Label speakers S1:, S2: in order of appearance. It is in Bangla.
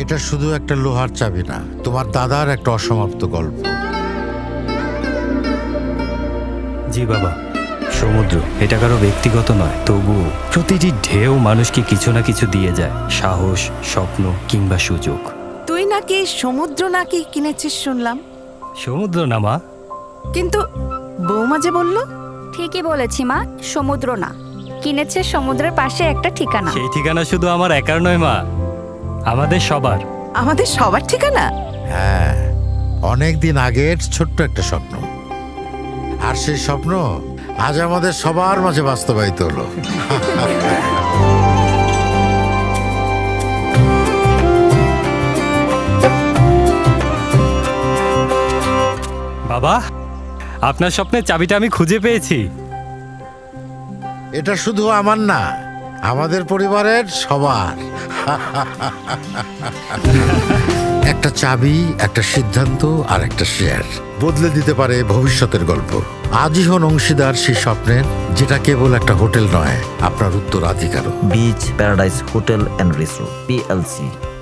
S1: এটা শুধু একটা লোহার চাবি না, তোমার দাদার একটা অসমাপ্ত গল্প।
S2: জি বাবা, সমুদ্র এটা কারো ব্যক্তিগত নয়, তবুও প্রতিটি ঢেউ মানুষকে কিছু না কিছু দিয়ে যায়, সাহস, স্বপ্ন কিংবা সুযোগ।
S3: তুই নাকি সমুদ্র নাকি কিনেছিস শুনলাম,
S2: সমুদ্র না মা।
S3: কিন্তু বৌমা যে বলল।
S4: ঠিকই বলেছি মা, সমুদ্র না, কিনেছে সমুদ্রের পাশে একটা ঠিকানা।
S2: সেই ঠিকানা শুধু আমার একার নয় মা, আমাদের সবার।
S3: আমাদের সবার ঠিকানা?
S1: হ্যাঁ, অনেক দিন আগের ছোট্ট একটা স্বপ্ন, আর সেই স্বপ্ন আজ আমাদের সবার মাঝে বাস্তবায়িত হলো।
S2: বাবা, আপনার স্বপ্নের চাবিটা আমি খুঁজে পেয়েছি।
S1: এটা শুধু আমার না, আমাদের পরিবারের সবার। একটা চাবি, একটা সিদ্ধান্ত আর একটা শেয়ার বদলে দিতে পারে ভবিষ্যতের গল্প। আজই হন অংশীদার সেই স্বপ্নের, যেটা কেবল একটা হোটেল নয়, আপনার উত্তরাধিকারও।
S5: Beach paradise hotel and resort PLC।